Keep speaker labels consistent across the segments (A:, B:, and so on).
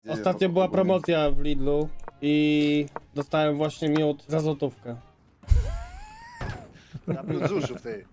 A: Ostatnio była promocja w Lidlu i dostałem właśnie miód za złotówkę.
B: Na plus zuszów, ty.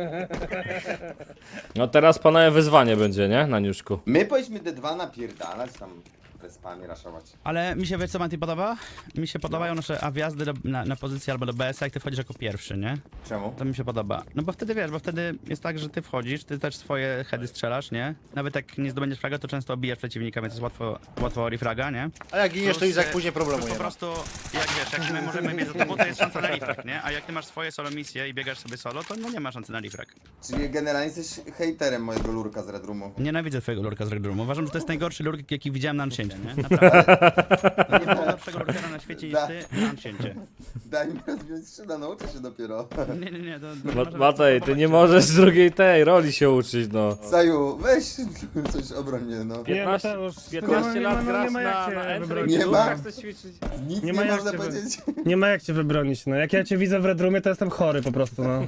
C: No teraz panowie wyzwanie będzie, nie? Na niuszku.
D: My powinniśmy D2 napierdalać tam respami raszować.
E: Ale mi się, wiesz co Manty podoba? Mi się podobają nasze wjazdy na pozycję albo do BS, jak ty wchodzisz jako pierwszy, nie?
D: Czemu?
E: To mi się podoba. No bo wtedy wiesz, bo wtedy jest tak, że ty wchodzisz, ty też swoje heady strzelasz, nie? Nawet jak nie zdobędziesz fraga, to często obijasz przeciwnika, więc jest łatwo refraga, nie?
B: A jak giniesz, to
E: Plus,
B: Izak później problemu
E: plus
B: nie
E: po
B: ma.
E: prostu, jak wiesz, jak my możemy mieć za tobą, to jest szansa na refrag, nie? A jak ty masz swoje solo misje i biegasz sobie solo, to no nie ma szansy na refrag.
D: Czyli generalnie jesteś hejterem mojego lurka z Red Roomu.
E: Nienawidzę twojego lurka z Red Roomu. Uważam, że to jest najgorszy lurk, jaki widziałem na Anciencie, nie? Naprawdę. Nie było lepszego lurkera na świecie niż ty na Anciencie.
D: Daj mi rozwiązać szyda, nauczę się dopiero.
E: Nie, to...
C: Matej, ty nie możesz z drugiej tej roli się uczyć, no.
D: Saju, weź coś obroń mnie, no.
C: 15 lat grasz na Entry,
D: Nie ma.
C: chcesz ćwiczyć.
D: Nic
A: Nie
D: nie,
A: ma jak
D: można
A: cię
D: powiedzieć.
A: Nie ma jak cię wybronić, no. Jak ja cię widzę w Red Roomie, to jestem chory po prostu, no.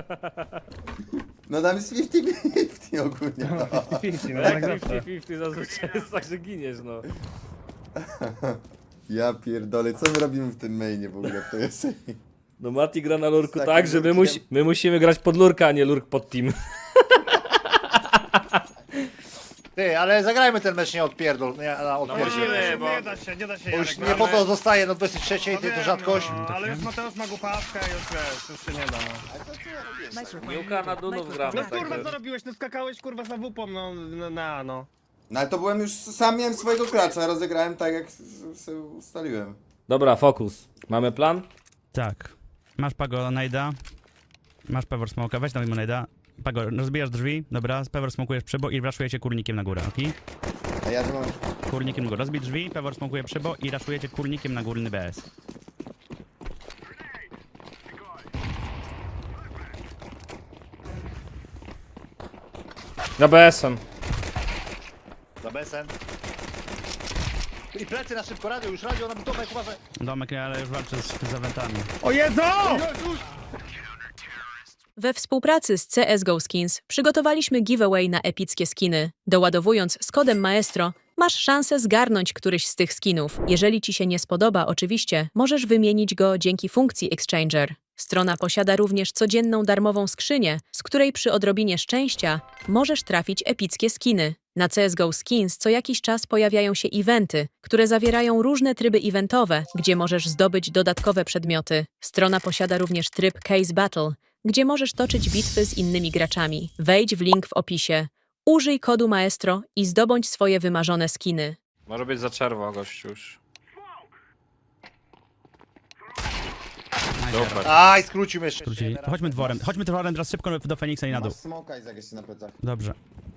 D: No tam jest 50-50 ogólnie. No.
A: 50, no jak zawsze.
C: 50-50 zazwyczaj jest tak, że giniesz, no.
D: Ja pierdolę, co my robimy w tym mainie w ogóle, to jest...
C: No Mati gra na lurku
D: Z
C: tak,
D: takim
C: że
D: lurkiem.
C: my musimy grać pod lurka, a nie lurk pod team.
B: Ty, ale zagrajmy ten mecz nie odpierdol, nie odpierdziel.
C: musimy, bo-
F: Nie da się,
B: Bo już
F: Jarek,
B: nie
F: no,
B: po
F: ale-
B: to zostaje, no 23,
F: no
B: ty to
F: wiem,
B: rzadkość.
F: No, ale już Mateusz ma głupawkę, już wiesz, już się nie da, no.
C: Miłka na Dunów gramy,
F: No kurwa,
C: także...
F: co robiłeś? No skakałeś kurwa za wupą, no.
D: No ale to byłem już, sam miałem swojego klacza, rozegrałem tak jak sobie ustaliłem.
C: Dobra, fokus. Mamy plan?
E: Tak. Masz Pago najda. Masz Pevor Smoke'a, weź tam mimo najda. Pago, rozbijasz drzwi, dobra, Pevor smokujesz przybo i raszujecie kurnikiem na górę, okej?
D: A ja tu mam...
E: Kurnikiem na górę. Rozbij drzwi, Pevor smokuje przybo i raszujecie kurnikiem na górny BS.
C: Na BS-em.
B: Za besen. I plecy na szybko, radio, już radio, na budować, uważaj.
E: Domek, ale już walczy z zawętami.
A: O Jezu!
G: We współpracy z CSGO Skins przygotowaliśmy giveaway na epickie skiny. Doładowując z kodem Maestro, masz szansę zgarnąć któryś z tych skinów. Jeżeli ci się nie spodoba, oczywiście, możesz wymienić go dzięki funkcji Exchanger. Strona posiada również codzienną darmową skrzynię, z której przy odrobinie szczęścia możesz trafić epickie skiny. Na CSGO Skins co jakiś czas pojawiają się eventy, które zawierają różne tryby eventowe, gdzie możesz zdobyć dodatkowe przedmioty. Strona posiada również tryb Case Battle, gdzie możesz toczyć bitwy z innymi graczami. Wejdź w link w opisie, użyj kodu Maestro i zdobądź swoje wymarzone skiny.
C: Może być za czerwo, gościu już. Dobra.
B: Aj, skrócił jeszcze.
E: Skrócili. To chodźmy dworem teraz szybko do Feniksa i na dół.
D: Masz smoka i zagrać na plecach.
E: Dobrze.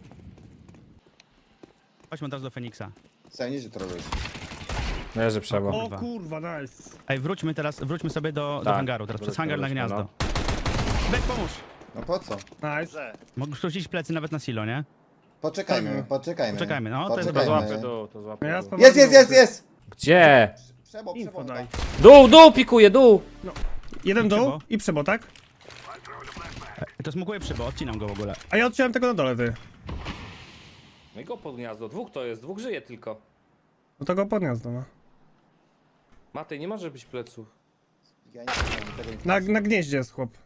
E: Chodźmy teraz do Feniksa.
D: Saju, nie się to robisz.
C: Nie, że trzeba.
A: O kurwa, nice.
E: Ej, wróćmy sobie do
C: Tak,
E: hangaru, teraz przez hangar na
C: wróćmy,
E: gniazdo. Weź pomóż!
D: No po co?
A: Nice.
E: Mogę skrócić plecy nawet na silo, nie?
D: Poczekajmy.
E: Poczekajmy, no, to jest
C: To
D: Poczekajmy.
C: złapę dół, to złapę
A: Ja
C: dół.
A: spróbuję-
D: Jest!
C: Gdzie?
D: Przebo,
A: Info daj.
C: Dół, pikuje, dół!
A: Jeden dół
E: Przebo.
A: i przebo, tak?
E: To smokuję przybo, odcinam go w ogóle.
A: A ja odciąłem tego na dole, ty.
C: No i go pod gniazdo, dwóch to jest, dwóch żyje tylko.
A: No to go podniosę, no.
C: Matej, nie może być pleców.
D: Ja nie wiem, tego nie...
A: Na gnieździe jest chłop.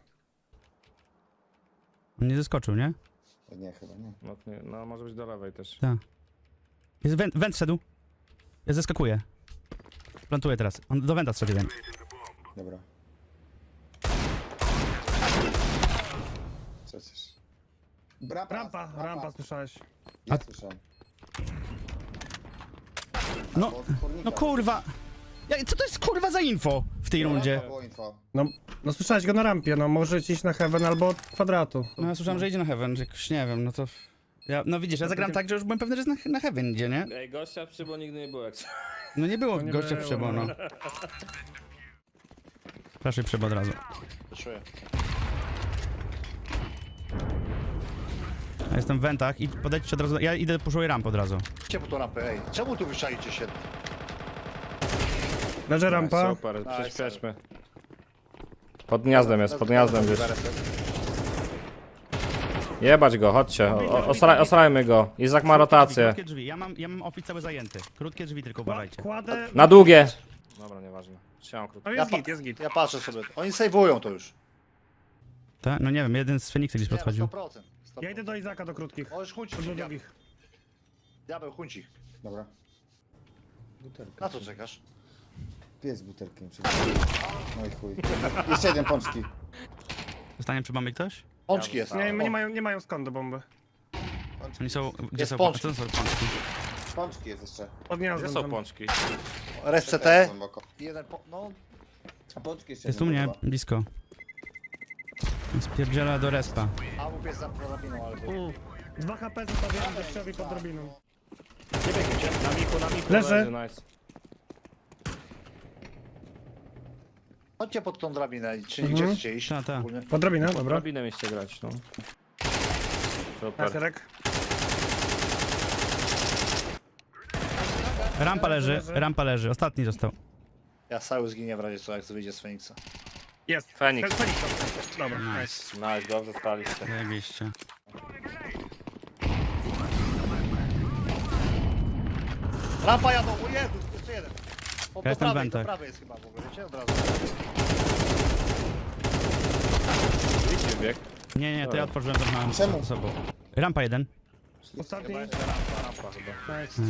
E: On nie zeskoczył, nie?
D: Nie, chyba nie.
C: No może być do lewej też.
E: Tak. Jest węd szedł. Ja zeskakuję. Plantuję teraz. On do węda strzelił.
D: Dobra. Przecież.
A: Rampa, słyszałeś.
D: Ja słyszałem.
E: No,
D: Albo od kurnika.
E: no kurwa! Co to jest kurwa za info w tej rundzie?
D: To było info.
A: No słyszałeś go na rampie, no może iść na heaven albo od kwadratu.
E: No ja słyszałem, że idzie na heaven, że jakoś nie wiem, no to... No widzisz, ja zagram tak, że już byłem pewny, że jest na heaven idzie, nie?
C: Ej, gościa przy, bo nigdy nie było jak...
E: No nie było
A: nie
E: gościa
A: było,
E: przybo, no. Proszę przybo od razu.
B: Czuję.
E: Ja jestem w wentach i podejdźcie od razu, ja idę puszuję rampę od razu.
B: Idźcie po tą rampę, ej. Czemu tu wyczaicie się?
A: Leży rampa.
C: Super, przyspieszmy. Pod gniazdem jest, pod gniazdem wiesz. Jebać go, chodźcie. Osrajmy go. Izak ma rotację.
E: Krótkie drzwi. Ja mam office cały zajęty. Krótkie drzwi tylko uważajcie.
F: Kładę...
C: Na długie. Dobra, nieważne. Trzymam krótko.
F: No jest git, jest git.
B: Ja patrzę sobie. Oni sejwują to już.
E: Tak? No nie wiem, jeden z Feniksa gdzieś
B: Nie,
E: podchodził.
B: 100%.
F: Ja idę do Izaka do krótkich.
B: Możesz chuncić.
F: Do długich.
B: Diabeł, chuncich.
D: Dobra.
B: Na co czekasz?
D: Pies butelkiem. No i chuj. Jeszcze jeden pączki.
E: Zostanie przy bombie ktoś?
B: Pączki jest.
F: Nie mają skąd do bomby.
E: Oni są... Gdzie
B: Jest
E: są?
B: pączki.
E: Co to są pączki?
D: Pączki jest jeszcze.
F: Pod
C: Gdzie
F: gniazdem
C: są
F: tam.
C: pączki?
B: Res CT.
D: Głęboko.
B: Jeden no.
D: A pączki jeszcze
E: Jest u mnie, blisko. Spierdziela do respa.
B: A łup jest za drabiną, ale...
F: 2 HP zostawiałem deszczowi pod drobiną.
C: Nie biegniecie. Na miku,
F: Leży.
C: nice.
B: Chodźcie pod tą drabinę, czy gdzie chcecie iść?
E: Ta.
B: Ogólnie.
F: Pod drobinę, dobra.
C: Drabinę mieliście grać, no. Super.
F: Kaserek.
E: Rampa leży. Ostatni został.
B: Ja cały zginie w razie co, jak to wyjdzie z Feniksa.
F: Jest.
C: Feniks.
F: Feniks. Dobra, nice.
C: Nice, dobrze staliście.
E: Zajebiście.
B: Rampa jadą, o Jezu, jeszcze jeden.
E: Ja
B: Do
E: jestem w
B: prawej, do
E: wentach.
B: prawej jest chyba w ogóle, wiecie? Od razu.
C: Idźcie bieg.
E: Nie, to ja otworzyłem to mam
D: Czemu?
E: z sobą. Rampa jeden.
F: Ostatni.
C: Rampa chyba.
F: Nice.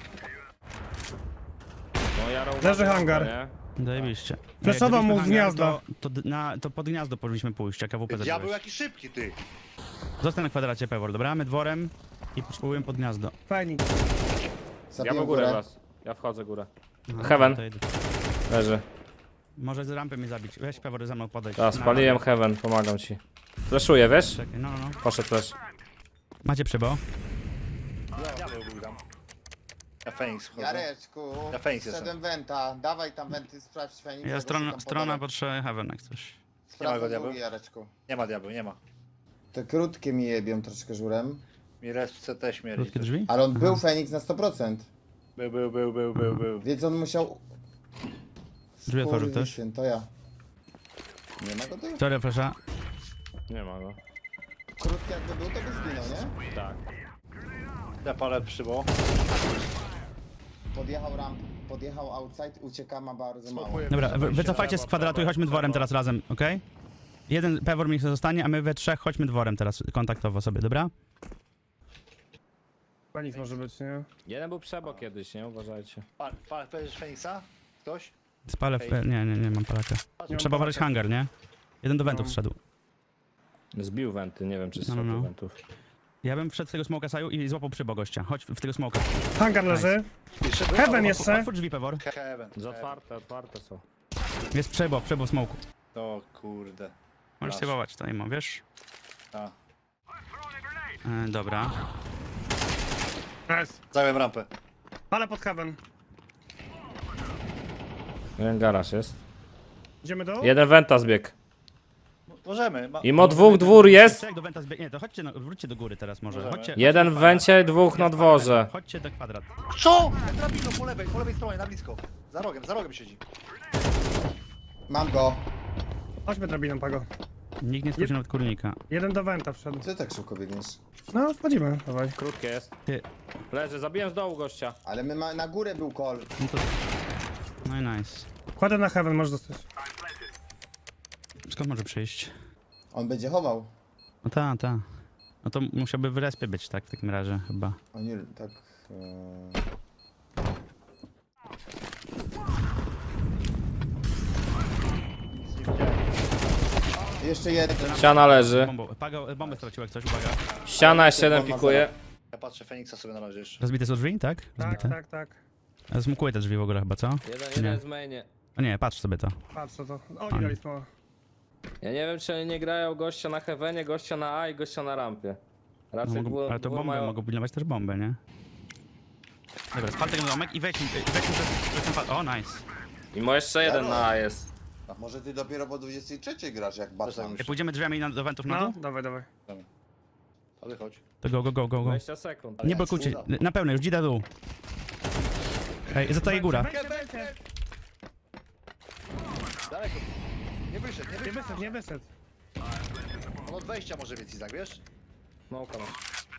C: No ja
F: Leży hangar.
C: Nie?
E: Zajebiście.
F: Flashował mu z
E: hangar,
F: gniazda.
E: To pod gniazdo powinniśmy pójść, jak AWP
B: Ja był
E: zacząłeś.
B: jakiś szybki, ty.
E: Zostań na kwadracie, Pewor, dobra? My dworem i spróbujemy pod gniazdo.
F: Feniks.
C: Ja
D: Zabiję
C: mam górę
D: górę.
C: was. Ja wchodzę górę.
E: Aha,
C: Heaven.
E: to idę.
C: Leży.
E: Może z rampy mnie zabić. Weź Pewor za mną podejść.
C: Tak, spaliłem heaven, pomagam ci. Flashuję, wiesz?
E: Czekaj, no.
C: Poszedł flash.
E: Macie przybo?
B: Diabeł był tam. Ja Feniks wchodzę.
D: Jareczku,
B: Ja Feniks jestem.
D: szedłem wenta. Dawaj tam wenty, sprawdź Feniks.
E: Ja
D: ja
E: strona potrzebuje Heaven jak coś.
B: Nie ma go,
D: Sprawdzę
B: diabeł?
D: drugi, Jareczku.
B: Nie ma diabeł, nie ma.
D: Te krótkie mi jebią troszkę żurem.
B: Mi res w CT śmierdzi.
E: Krótkie drzwi?
D: Ale on był Feniks na 100%.
B: Był.
D: Więc on musiał...
E: Drzwi otworzył ktoś?
D: Skurwysyn, to ja. Nie ma go tu?
E: Sorry, proszę.
C: Nie ma go.
D: Krótki jakby był, to by zginął, nie?
C: Tak.
B: Ja palę przybo.
D: Podjechał ramp, podjechał outside, ucieka, ma bardzo mało.
B: Smokuję.
E: Dobra, wycofajcie z kwadratu i chodźmy dworem teraz razem, okej? Jeden Pewor mi zostanie, a my we trzech chodźmy dworem teraz kontaktowo sobie, dobra?
F: Feniks może być, nie?
C: Jeden był przebo kiedyś, nie? Uważajcie.
B: Powiedziesz Feniksa? Ktoś?
E: Spalę... Nie mam palaka. Trzeba uważać hangar, nie? Jeden do wentów wszedł.
C: Zbił wenty, nie wiem czy
E: No,
C: strzelił
E: no.
C: wentów.
E: Ja bym wszedł z tego smoka saju i złapał przybo gościa. Chodź w tego smoka.
F: Hangar leży. Heaven jeszcze.
E: Otwórz drzwi, Pewor.
B: Heaven.
C: Za otwarte są.
E: Jest przybo w smoku.
B: O kurde.
E: Możesz
B: Masz.
E: sejwować to imo, wiesz?
B: A.
E: Dobra.
F: Nice.
B: Zająłem rampę.
F: Ale pod heaven.
C: Jeden garaż jest.
F: Idziemy do?
C: Jeden wenta zbiegł.
B: Możemy.
C: I mo dwóch dwór jest.
E: Jak do wenta nie, to chodźcie, wróćcie do góry teraz może.
B: Możemy.
E: Chodźcie,
C: Jeden w wencie, dwóch na dworze.
E: Chodźcie do kwadrat.
B: Co? Drabiną po lewej stronie, na blisko. Za rogiem siedzi.
D: Mam go.
F: Chodźmy drobiną, Pago.
E: Nikt nie słyszy nawet kurnika.
F: Jeden do wenta wszedł.
D: Co tak szybko biegniesz?
F: No, wchodzimy, dawaj.
C: Krótkie jest.
E: Ty.
C: Leży, zabiłem z dołu gościa.
D: Ale na górę był call.
E: No to... No i nice.
F: Kładę na heaven, możesz dostać.
E: Skąd może przyjść?
D: On będzie chował.
E: No ta. No to musiałby w respie być, tak, w takim razie chyba.
D: Oni tak... Jeszcze jeden.
C: Ściana leży.
E: Bombę stracił jak coś, uwaga.
C: Ściana jeszcze jeden pikuje.
B: Ja patrzę Feniksa sobie na razie jeszcze.
E: Rozbite są drzwi, tak? Rozbite.
F: Tak.
E: Zmukuję te drzwi w ogóle chyba, co?
C: Jeden z mainie.
E: O nie, patrz sobie to.
F: Patrzę to. Oni dali smoła.
C: Ja nie wiem czy oni nie grają gościa na heavenie, gościa na A i gościa na rampie.
E: No,
C: Raczej
E: ale to bomby mogą pilnować też bombę, nie? Dobra, spal ten domek i weź przez ten O, nice.
C: I mo jeszcze jeden na A jest.
D: Może ty dopiero po 23 grasz jak Batman.
E: Jak pójdziemy drzwiami do wentów na
F: No,
E: dół,
F: dawaj.
B: Ale chodź.
E: to go.
C: 20 sekund.
E: Nie blokujcie, na pełno, już dzida dół. Ej, zostaje góra.
B: Daleko. Nie wyszedł.
F: Nie wyszedł.
B: On od wejścia może być Izak, wiesz?
C: Smoka masz.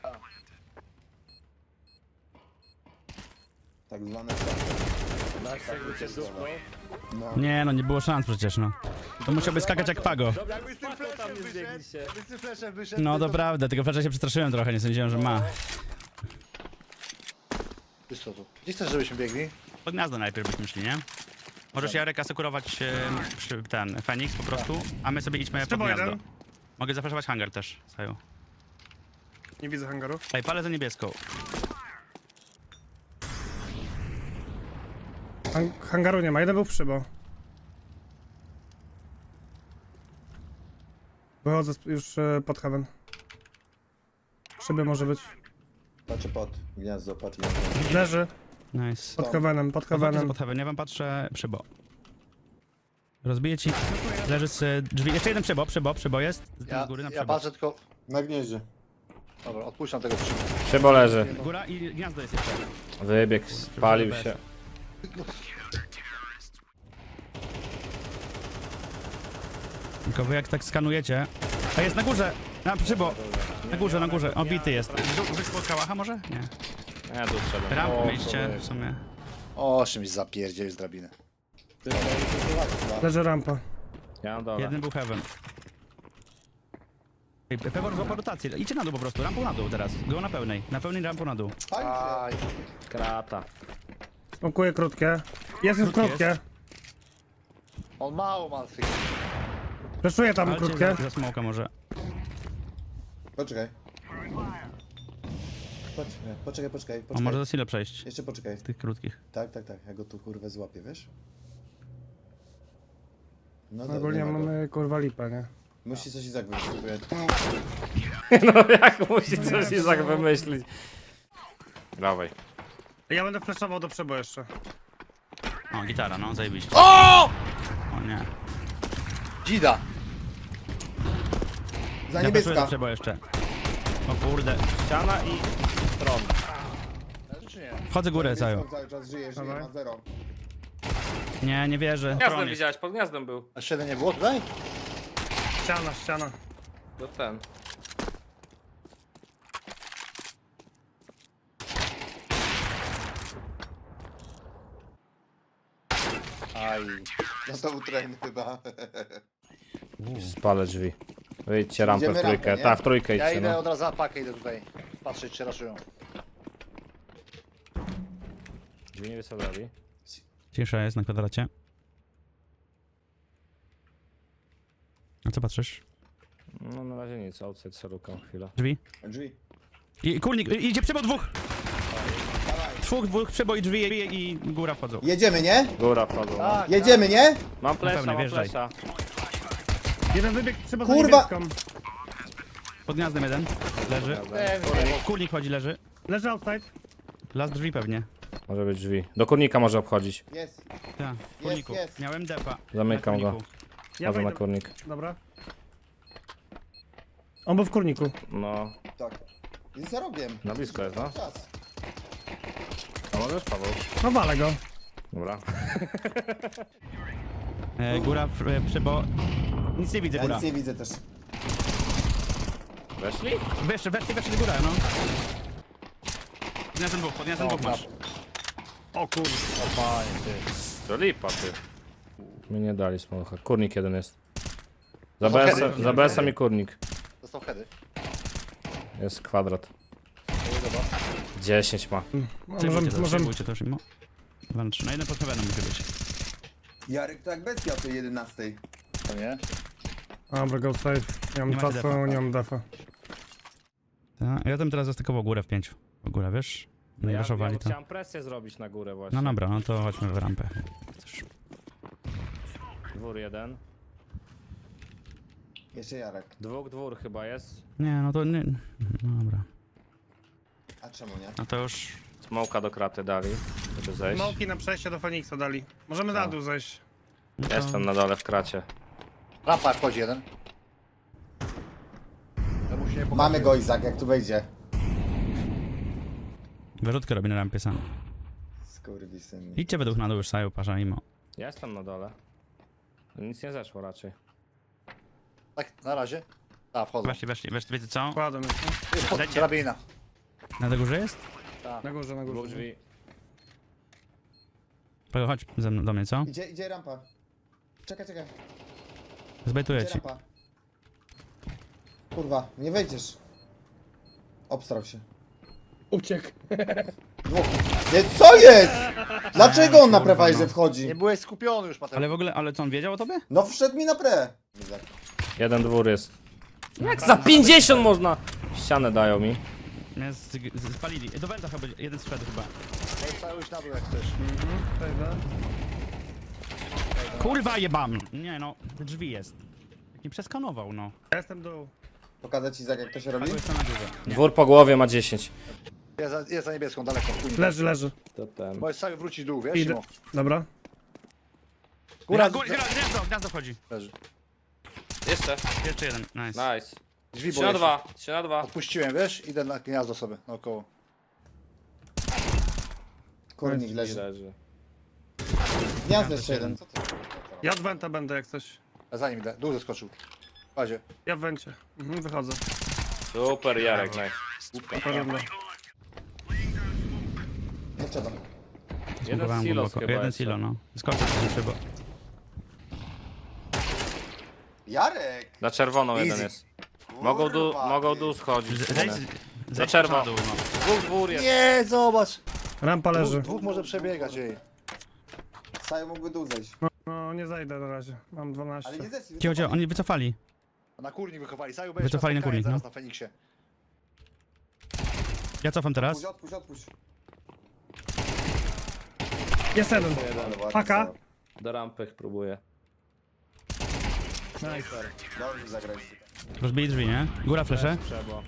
D: Tak zwane...
C: Jakby cię dupnął.
E: Nie no, nie było szans przecież, no. To musiałby skakać jak Pago.
B: Jakbyś z tym fleszem wyszedł, jakbyś z tym fleszem wyszedł...
E: No
B: ty
E: to prawda, tylko wczoraj się przestraszyłem trochę, nie sądziłem, że ma.
B: Wiesz co tu? Gdzie chcesz, żebyśmy biegli?
E: Pod gniazdo najpierw byśmy szli, nie? Możesz Jarek asekurować przy ten Feniks po prostu, a my sobie idźmy pod
F: Trzeba
E: gniazdo.
F: jeden.
E: Mogę zafreszować hangar też, Saju.
F: Nie widzę hangaru.
E: Ej, palę za niebieską.
F: Hangaru nie ma, jeden był w przybo. Wychodzę już pod heaven. Szyby może być.
D: Patrzę pod gniazdo, patrz.
F: Leży
E: Nice.
F: pod heavenem, pod heavenem.
E: Pod heaven, ja wam patrzę przybo. Rozbiję ci. Leży z drzwi. Jeszcze jeden przybo jest. Z góry na
B: Ja
E: przybo.
B: patrzę tylko...
D: Na gnieździe.
B: Dobra, odpuszczam tego przyjmu.
H: Przybo leży.
E: Góra i gniazdo jest jeszcze.
H: Wybieg, spalił się.
E: Tylko wy jak tak skanujecie. A jest na górze! Na przybo! Na górze. Obity jest. Wyszło kałacha może? Nie.
H: Ja tu strzelam.
E: Ramp mieliście w sumie.
B: O, czymś zapierdzieli z drabiny.
F: Leży rampa.
H: Ja na dole.
E: Jeden był heaven. Pewor złapał rotację. Idźcie na dół po prostu. Rampą na dół teraz. Go na pełnej. Na pełnej rampą na dół.
B: Aj,
H: Krata.
F: Smokuję krótkie. Jest już
E: Krótkie
F: krótkie.
B: on mało ma tych...
F: Fleszuję tam
E: Walcie
F: krótkie.
E: za smoka może.
D: Poczekaj. Poczekaj.
E: On może za sile przejść.
D: Jeszcze poczekaj.
E: Z tych krótkich.
D: Tak. Ja go tu kurwę złapię, wiesz? No
F: Ogólnie
D: nie ma go.
F: mamy kurwa lipę, nie?
D: Musi coś Izak wymyślić.
H: No jak musi coś Izak wymyślić. Dawaj.
F: Ja będę flashował do przebo jeszcze.
E: O, gitara, no, zajebiście. O nie.
B: Dzida!
D: Za
E: Ja paszuję do
D: niebieska.
E: przebo jeszcze. O kurde.
H: Ściana i tron.
B: Leży czy nie?
E: Wchodzę górę cały.
D: Cały czas żyje,
F: Dawaj.
D: ma zero.
E: Nie wierzę.
C: Gniazdem
E: Tron jest.
C: widziałeś, pod gniazdem był.
B: A 7 nie było tutaj?
F: Ściana.
C: To ten.
B: Aj.
D: No to był tren chyba.
H: Spalę drzwi. Wyjdźcie rampę w
D: Idziemy
H: trójkę.
D: rampę, nie?
H: Tak, w trójkę
B: Ja
H: idźcie,
B: idę
H: no.
B: od razu na pakę, idę tutaj. Patrzeć, czy raszują.
H: Drzwi nie wysadali.
E: Cisza jest na kwadracie. A co patrzysz?
H: No na razie nic, outside szeroką chwilę.
E: Drzwi?
D: Drzwi.
E: I kurnik, idzie przybo dwóch! Dwóch przybo i drzwi i góra wchodzą.
D: Jedziemy, nie?
H: Góra wchodzą. No.
B: Tak,
D: Jedziemy, nie?
H: Mam flesza,
E: pewno,
H: mam
E: wjeżdżaj.
H: flesza.
F: Jeden wybieg trzeba za
D: Kurwa!
F: niebieską.
E: Pod gniazdem jeden. Leży.
B: tak.
E: Kurnik chodzi, leży.
F: Leży outside.
E: Las drzwi pewnie.
H: Może być drzwi. Do kurnika może obchodzić.
D: Jest.
E: Tak, kurniku.
D: jest.
E: Miałem defa.
H: Zamykam
E: Na
H: go.
E: kurniku.
F: Ja
H: Chodzę na
F: wejdę.
H: kurnik.
F: Dobra. On był w kurniku.
H: No,
D: Tak. Jest za rogiem.
H: na blisko jest, no.
D: Czas.
H: A możesz, Paweł?
F: No walę go.
H: Dobra.
E: Góra, przybo. Nic nie widzę,
D: Ja
E: góra.
D: nic nie widzę też.
H: Weszli?
E: Weszli góra, no. Pod gniazdem dwóch masz.
F: O kurwa.
B: O panie, ty.
H: To lipa, ty. Mi nie dali smocha. Kurnik jeden jest.
B: heady.
H: Za BS-em i kurnik.
B: Dostał heady.
H: Jest kwadrat.
B: Dobra.
H: 10 ma.
F: Możemy.
E: Możemy. To już mimo. 2 na 3. Na jeden pod heavenem musi być.
D: Jarek to jak bestia o tej 11.
B: To nie?
F: Dobra, go save. Nie mam
E: Nie macie
F: czasu,
E: defa.
F: nie mam defa.
E: Tak, ja tam teraz zastykował górę w 5. W górę, wiesz? No i raszowali to.
H: chciałem presję zrobić na górę właśnie.
E: No dobra, no to chodźmy w rampę.
H: Dwór jeden.
D: Jeszcze Jarek.
H: Dwór chyba jest.
E: Nie, no to nie. No dobra.
D: A czemu nie?
E: No to już.
H: Smoka do kraty dali, żeby zejść.
F: Smoki na przejście do Feniksa dali. Możemy na dół zejść.
E: No to...
H: Jestem na dole w kracie.
B: Rampa wchodzi jeden. To musi nie
D: Mamy go Izak, jak tu wejdzie.
E: Wyrzutkę robi na rampie sam.
D: Skurwysyn.
E: Idźcie według na dół już, Saju, pasza, mimo.
H: Ja jestem na dole. Nic nie zeszło raczej.
B: Tak, na razie. A, wchodzą.
E: Weszli, wiecie co?
F: Kładę myślę.
B: Jest pod
E: Dajcie.
B: drabina.
E: Na tej górze jest?
F: Na górze, na
H: Dwóch
F: górze.
H: drzwi.
E: Pago, chodź ze mną, do mnie, co?
D: Idzie rampa. Czekaj.
E: Zbejtuję
D: Idzie
E: ci.
D: rampa. Kurwa, nie wejdziesz. Obstrał się.
A: Uciekł.
D: Dwóch. Nie, co jest? Dlaczego on na
E: kurwa,
D: prewajże
E: no.
D: wchodzi?
B: Nie byłeś skupiony już, Mateusz.
E: Ale w ogóle, ale co, on wiedział o tobie?
D: No wszedł mi na pre.
H: Jeden dwór jest. Jak za 50 można? Ścianę dają mi.
E: Mnie spalili. Do Wenda chyba, jeden zszedł chyba.
B: Cały już na dół jak chcesz.
F: Wejdę.
E: Kurwa jebam! Nie no, drzwi jest. Jak nie przeskanował, no.
F: Ja jestem dół.
D: Pokazać Izak, jak to się robi?
E: Pago jest na górze. Nie.
H: Dwór po głowie ma 10.
B: Jest za niebieską, daleko.
F: Leży.
H: To ten.
B: Możesz cały wrócić dół, wiesz?
F: Idę.
B: Simo?
F: Dobra.
B: Góra,
E: Gniazdo wchodzi.
B: leży.
C: Jeszcze.
E: Jeszcze jeden, nice.
C: Nice.
B: Drzwi
C: 3 na
B: boję się.
C: 2. 3 na 2.
B: Odpuściłem, wiesz? Idę na gniazdo sobie, naokoło.
D: Kurnik
H: I
D: leży.
H: leży.
D: Gniazdo jeszcze jeden. Co ty?
F: Ja od wenta będę jak coś.
B: A za nim idę, dół zeskoczył. W bazie.
F: Ja w wencie. Wychodzę.
C: Super, Jarek, nice.
F: Porządno.
D: Nie trzeba.
C: Jeden
E: Zbudowałem
C: silos
E: głęboko.
C: chyba
E: Jeden
C: jeszcze.
E: silo, no. Skoczył się szybko.
D: Jarek!
C: Na czerwoną jeden
B: Easy.
C: jest.
D: Kurwa,
C: Mogą
D: ty.
C: dół schodzić.
E: Zejdź
C: Za czerwo.
E: na dół, no.
C: Dwór jest.
B: Nie, zobacz!
F: Rampa leży.
B: Dwóch może przebiegać jej.
D: Saju mógłby dół zejść.
F: No nie zajdę na razie. Mam 12.
D: Ale nie zeszli.
E: Cicho, oni wycofali.
B: Na kurnik wychowali, Saju będziesz
E: Wycofali na kurnik,
B: zaraz
E: no.
B: na Feniksie.
E: Ja cofam teraz.
D: Odpuść.
F: Jest jeden.
D: Ale ładnie,
F: Paka.
D: Saju.
C: Do rampy próbuję.
F: Nice.
D: Dobrze zagrać.
E: Rozbili drzwi, nie? Góra flesze.
H: Trzeba.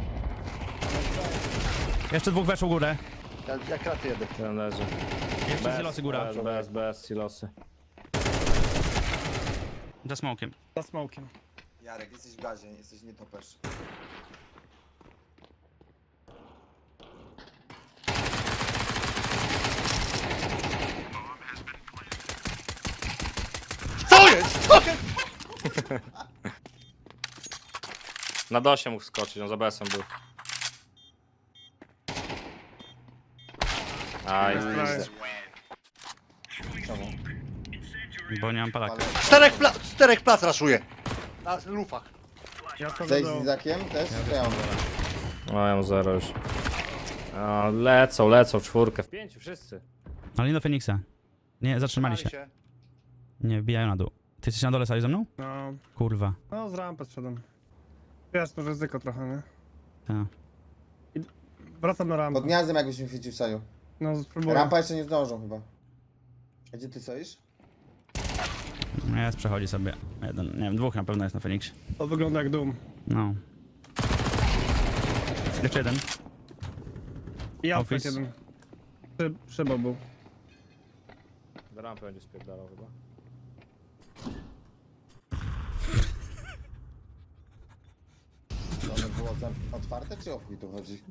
E: Jeszcze dwóch weszło górę.
B: Ja kraty jedę.
H: Jeden leży.
E: Jeszcze silosy góra.
H: Bez silosy.
E: Za smokiem.
F: Za smokiem.
D: Jarek, jesteś w gazie, jesteś nietoperz.
B: Co jest?
C: Na dosie mógł skoczyć, on za BS-em był. Aj,
E: Bo nie mam palaka.
B: Czterech plac raszuje. Na lufach.
F: Ja to
D: Zejść z
F: do...
D: Izakiem też? Co ja mam?
H: No ja mam 0 już. O, lecą, czwórkę. W 5 wszyscy.
E: Ale nie do Feniksa. Nie, zatrzymali się. Nie, wbijają na dół. Ty jesteś na dole, Saju, ze mną?
F: No,
E: Kurwa.
F: no z rampy zszedłem. Wiesz, to ryzyko trochę, nie?
E: Tak.
F: Wracam na rampę.
D: Pod gniazdem jakbyś mi chwycił Saju.
F: No spróbuję.
D: Rampa jeszcze nie zdążą chyba. A gdzie ty stoisz?
E: Jest, przechodzi sobie. Jeden, nie wiem, dwóch na pewno jest na Feniksie.
F: To wygląda jak dum.
E: No. Jeszcze jeden.
F: I outfit
E: Office.
F: jeden. Szybą był.
H: Do rampy będzie spierdalał chyba.
D: To one było otwarte czy o chuj tu chodzi?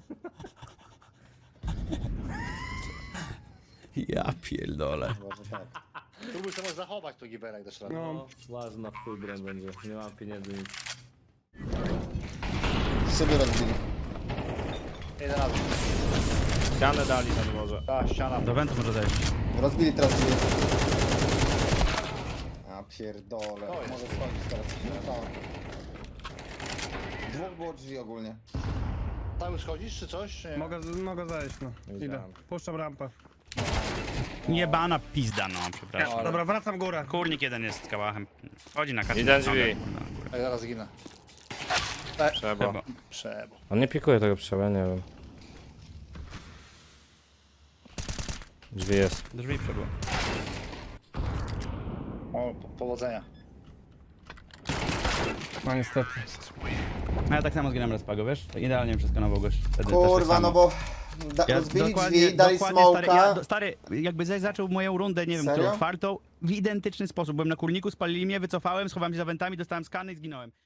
E: Ja pierdolę.
D: Może tak.
B: Tu byś to mógł zachować to Givera jak dasz radę.
F: No.
H: Ważna w chuj broń będzie. Nie mam pieniędzy nic.
D: Szyby rozbili.
B: Jeden razy.
H: Ścianę dali na dworze.
B: Ta ściana.
E: Do wentu może zejść.
D: Rozbili teraz drzwi. A pierdole.
B: To jest.
D: Może schodzić teraz. No. Dwóch było drzwi ogólnie.
B: Cały schodzisz czy coś? Nie.
F: Mogę zejść, no. Idę.
H: Widziałem.
F: Puszczam rampę.
E: Jebana pizda, no, przepraszam.
F: Dobra, wracam górę.
E: Kurnik jeden jest z kałachem. Wchodzi na kartę.
C: Jeden drzwi.
B: Ja zaraz zginę.
C: trzeba.
B: Przebo.
H: On nie pikuje tego trzeba, nie wiem. Drzwi jest.
E: Drzwi przebyło.
B: O, powodzenia.
F: No niestety.
E: No ja tak samo zginąłem raz Pago, wiesz? Tak idealnie przeskanował gość. Wtedy też
D: Kurwa,
E: tak samo.
D: no bo rozbili drzwi, dali
E: stary,
D: smoka.
E: stary, jakby zaczął moją rundę, nie wiem,
D: Serio?
E: którą czwartą, w identyczny sposób. Byłem na kurniku, spalili mnie, wycofałem, schowałem się za wentami, dostałem skany i zginąłem.